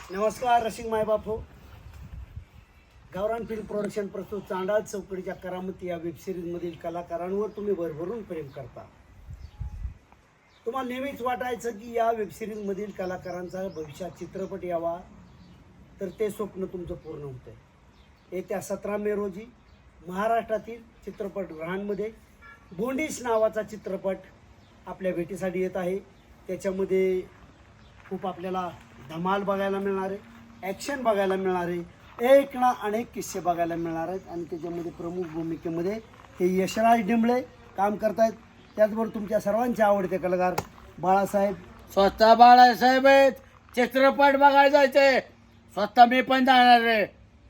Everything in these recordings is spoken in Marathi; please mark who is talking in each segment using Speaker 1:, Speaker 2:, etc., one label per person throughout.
Speaker 1: नमस्कार रसिक मायबाप हो. गावरान फिल्म प्रोडक्शन प्रस्तुत चांडाळ चौकडीच्या करामती या वेबसिरीजमधील कलाकारांवर तुम्ही भरभरून प्रेम करता. तुम्हाला नेहमीच वाटायचं की या वेबसिरीजमधील कलाकारांचा भविष्यात चित्रपट यावा, तर ते स्वप्न तुमचं पूर्ण होतं. येत्या 17 मे रोजी महाराष्ट्रातील चित्रपटगृहांमध्ये बोंडीस नावाचा चित्रपट आपल्या भेटीसाठी येत आहे. त्याच्यामध्ये खूप आपल्याला धमाल बघायला मिळणार आहे, ॲक्शन बघायला मिळणार आहे, एक ना अनेक किस्से बघायला मिळणार आहेत. आणि त्याच्यामध्ये प्रमुख भूमिकेमध्ये हे यशराज डिंबळे काम करतायत. त्याचबरोबर तुमच्या सर्वांचे आवडते कलाकार बाळासाहेब.
Speaker 2: स्वतः बाळासाहेब आहेत. चित्रपट बघायला जायचंय. स्वतः मी पण जाणार रे.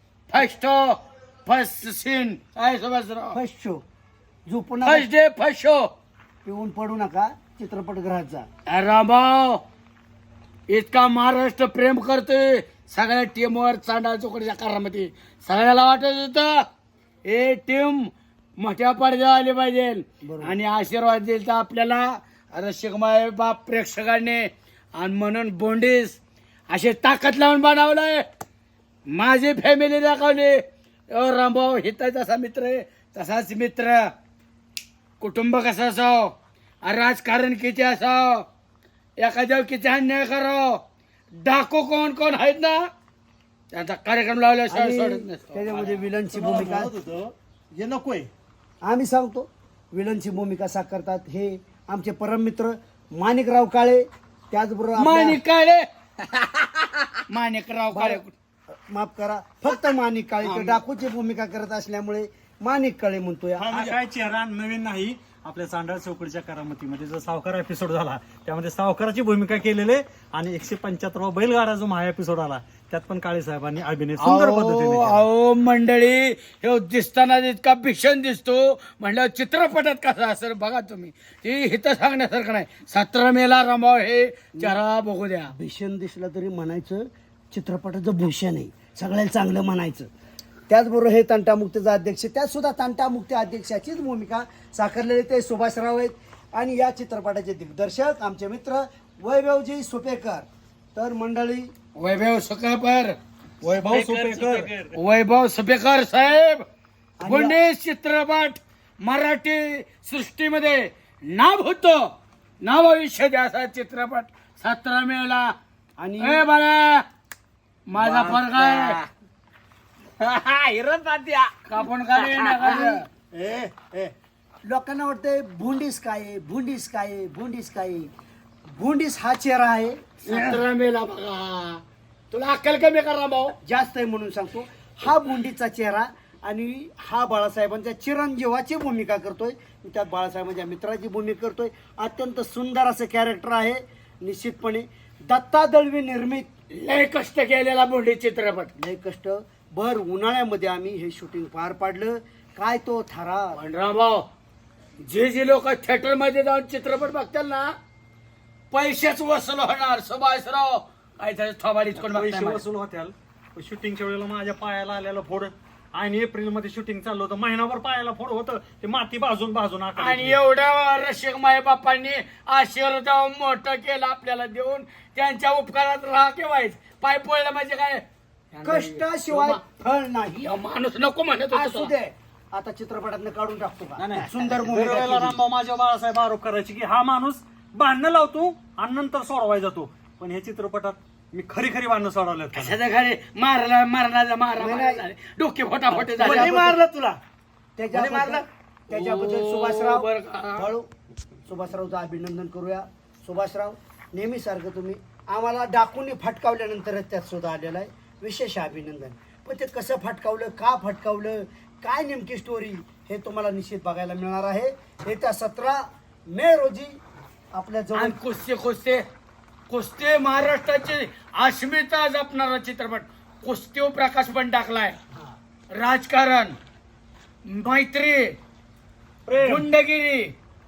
Speaker 2: फर्स्ट सीन आहे सुभाषराव.
Speaker 1: फर्स्ट शो झोपून
Speaker 2: फर्स्ट डे फर्स्ट शो.
Speaker 1: पिऊन पडू नका चित्रपटगृहात जा.
Speaker 2: रामभाऊ इतका महाराष्ट्र प्रेम करतोय सगळ्या टीमवर चांडाळ चौकडीच्या कारामध्ये. सगळ्याला वाटत होतं हे टीम मोठ्या पडद्यावर आली पाहिजे आणि आशीर्वाद दिला तर आपल्याला रसिकमाय बाप प्रेक्षकांनी. आणि म्हणून बोंडीस असे ताकद लावून बनवलंय. माझी फॅमिली दाखवली. रामभाऊ हिता तसा मित्र आहे, तसाच मित्र. कुटुंब कसं असावं, राजकारण किती असावं, एखाद्यावर किती अन्याय करावं, डाकू कोण कोण आहेत ना त्यांचा कार्यक्रम लावल्याशिवाय सोडत नसतो.
Speaker 1: त्याच्यामध्ये विलनची भूमिका
Speaker 3: हे नकोय.
Speaker 1: आम्ही सांगतो विलनची भूमिका साकारतात हे आमचे परम मित्र माणिकराव काळे. त्याचबरोबर
Speaker 2: माणिक काळे माणिकराव काळे
Speaker 1: माफ करा, फक्त माणिक काळे. ते डाकूची भूमिका करत असल्यामुळे माणिक काळे म्हणतोय.
Speaker 3: हा म्हणजे काय चेहरा नवीन नाही. आपल्या चांडाळ चौकडीच्या करामतीमध्ये जो सावकार एपिसोड झाला त्यामध्ये सावकाराची भूमिका केलेली आणि 175 बैलगाडा जो महा एपिसोड आला त्यात पण काळे साहेबांनी अभिनय सुंदर पद्धतीने केला.
Speaker 2: अहो मंडळी हे दिसताना इतका भीषण दिसतो म्हणलं चित्रपटात कसा असेल बघा तुम्ही. ती हिथं सांगण्यासारखं नाही. 17 मेला रामभाऊ हे चेहरा बघू द्या.
Speaker 1: भीषण दिसलं तरी म्हणायचं चित्रपटाचं भूषण आहे, सगळ्याला चांगलं म्हणायचं. त्याचबरोबर हे तंटामुक्तीचा अध्यक्ष, त्यात सुद्धा तंटामुक्ती अध्यक्षाचीच भूमिका साकारलेली ते सुभाषराव आहेत. आणि या चित्रपटाचे दिग्दर्शक आमचे मित्र वैभवजी सुपेकर. तर मंडळी
Speaker 2: वैभव सुपेकर,
Speaker 3: वैभव सुपेकर,
Speaker 2: वैभव सुपेकर साहेब बोंडीस चित्रपट मराठी सृष्टीमध्ये नाव होतं, नाव भविष्य द्या असा चित्रपट 17 मेला.
Speaker 1: आणि
Speaker 2: ए बाळा माझा फरक आहे कापून
Speaker 1: लोकांना वाटतंय भुंडीस काय आहे, भुंडीस काय आहे, भुंडीस काय आहे. भुंडीस हा चेहरा आहे.
Speaker 2: 17 मेला बघा. तुला अक्कल कमी करा भाऊ.
Speaker 1: जास्त आहे म्हणून सांगतो. हा भुंडीचा चेहरा आणि हा बाळासाहेबांच्या चिरंजीवाची भूमिका करतोय. त्यात बाळासाहेबांच्या मित्राची भूमिका करतोय. अत्यंत सुंदर असं कॅरेक्टर आहे. निश्चितपणे दत्ता दळवी निर्मित
Speaker 2: लय कष्ट केलेला बोंडी चित्रपट.
Speaker 1: लय कष्ट भर उन्हाळ्यामध्ये आम्ही हे शूटिंग पार पाडलं. काय तो थारा
Speaker 2: भाऊ जे लोक थिएटर मध्ये जाऊन चित्रपट बघतात ना पैसेच वसूल होणार. सुभाषराव काय त्याच्या थोबाडीत कोण
Speaker 3: पैसे
Speaker 2: बघताय
Speaker 3: वसूल होत्याल. शूटिंगच्या वेळेला माझ्या पायाला आलेलं फोड आणि एप्रिल मध्ये शूटिंग चाललं होतं. महिनाभर पायाला फोड होतं. ते माती भाजून भाजून
Speaker 2: आणि एवढ्या रसिक माय बापांनी आशीर्वाद मोठं केलं आपल्याला देऊन त्यांच्या उपकारात राहा केव्हाच. पाय पडलं म्हणजे काय
Speaker 1: कष्टाशिवाय फळ नाही.
Speaker 2: हा माणूस नको म्हणत
Speaker 1: असू
Speaker 2: होता.
Speaker 1: दे आता चित्रपटातनं काढून टाकतो का.
Speaker 3: नाही.
Speaker 1: सुंदर
Speaker 3: दरवेळेला
Speaker 1: भूमिका केली.
Speaker 3: रामभाऊ माझ्या बाळासाहेब आरोप करायचे की हा माणूस भांडणं लावतो आणि नंतर सोडवाय जातो. पण हे चित्रपटात मी खरी खरी भांडणं सोडवल्यात.
Speaker 2: कशाचं खरे मारला मारला मारा डोके फोटाफोटे झाले.
Speaker 3: मारलं तुला
Speaker 1: त्याच्याबद्दल
Speaker 2: ओ,
Speaker 1: सुभाषराव
Speaker 2: बरं का.
Speaker 1: हळू सुभाषरावचं अभिनंदन करूया. सुभाषराव नेहमी सारखं तुम्ही आम्हाला डाकून फटकावल्यानंतरच त्यात सुद्धा आलेला आहे. विशेष अभिनंदन. पण ते कसं फटकावलं, का फटकावलं, काय नेमकी स्टोरी हे तुम्हाला निश्चित बघायला मिळणार आहे. येत्या 17 मे रोजी आपल्या जवळ
Speaker 2: आणि कुस्ते महाराष्ट्राची अस्मिता जपणारा चित्रपट. कुस्तीवर प्रकाश पण टाकलाय. राजकारण, मैत्री, गुंडगिरी,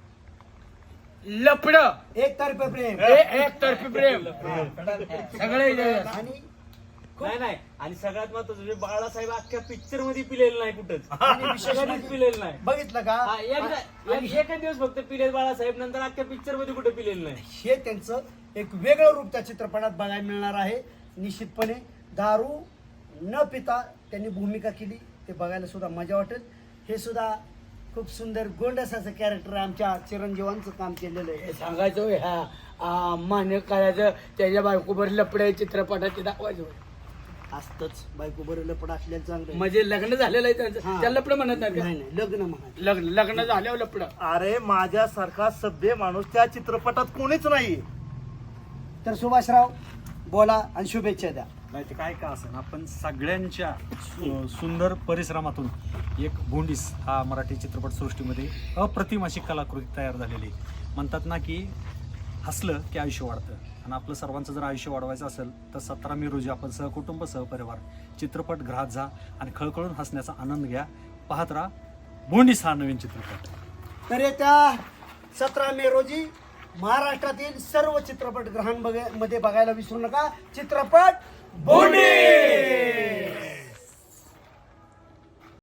Speaker 2: लपड,
Speaker 1: एकतर्फे प्रेम
Speaker 2: एकतर्फी प्रेम सगळे.
Speaker 1: आणि
Speaker 4: नाही आणि सगळ्यात महत्वाचं म्हणजे बाळासाहेब अख्ख्या पिक्चर मध्ये पिलेलं नाही कुठंच.
Speaker 1: आणि विशेष
Speaker 4: कधीच
Speaker 1: म्हणजे
Speaker 4: पिलेलं नाही.
Speaker 1: बघितलं का.
Speaker 4: हा, एकच दिवस फक्त पिलेल बाळासाहेब, नंतर अख्ख्या पिक्चर मध्ये कुठे पिलेलं नाही.
Speaker 1: हे त्यांचं एक वेगळं रूप त्या चित्रपटात बघायला मिळणार आहे. निश्चितपणे दारू न पिता त्यांनी भूमिका केली, ते बघायला सुद्धा मजा वाटेल. हे सुद्धा खूप सुंदर गोंडसाचं कॅरेक्टर आमच्या चिरंजीवांचं काम केलेलं आहे.
Speaker 2: हे सांगायचं होय, ह्या मान्य करायचं त्याच्या बायकोबर लपडे चित्रपटाचे दाखवायचं होय.
Speaker 1: असतंच बायको बरं पण असलेलं चांगलं आहे.
Speaker 2: म्हणजे लग्न झालेलं आहे त्यांचं,
Speaker 1: हा.
Speaker 2: त्याला लपडं म्हणत नाही का?
Speaker 1: नाही नाही लग्न म्हणा.
Speaker 2: लग्न झाल्यावर लपडं.
Speaker 5: अरे माझ्यासारखा सभ्य माणूस त्या चित्रपटात कोणीच नाही.
Speaker 1: तर सुभाषराव बोला आणि शुभेच्छा द्या.
Speaker 3: नाही ते काय का असं आपण सगळ्यांच्या सुंदर परिश्रमातून एक भोंडीस हा मराठी चित्रपट सृष्टीमध्ये अप्रतिम अशी कलाकृती तयार झालेली आहे. म्हणतात ना की हसलं की आयुष्य वाढतं, आणि आपलं सर्वांचं जर आयुष्य वाढवायचं असेल तर 17 मे रोजी आपण सहकुटुंब सहपरिवार चित्रपटगृहात जा आणि खळखळून हसण्याचा आनंद घ्या. पाहत राहा भोंडीस हा नवीन चित्रपट.
Speaker 1: तर येत्या 17 मे रोजी महाराष्ट्रातील सर्व चित्रपटगृहांमध्ये बघायला विसरू नका चित्रपट
Speaker 2: बोंडीस!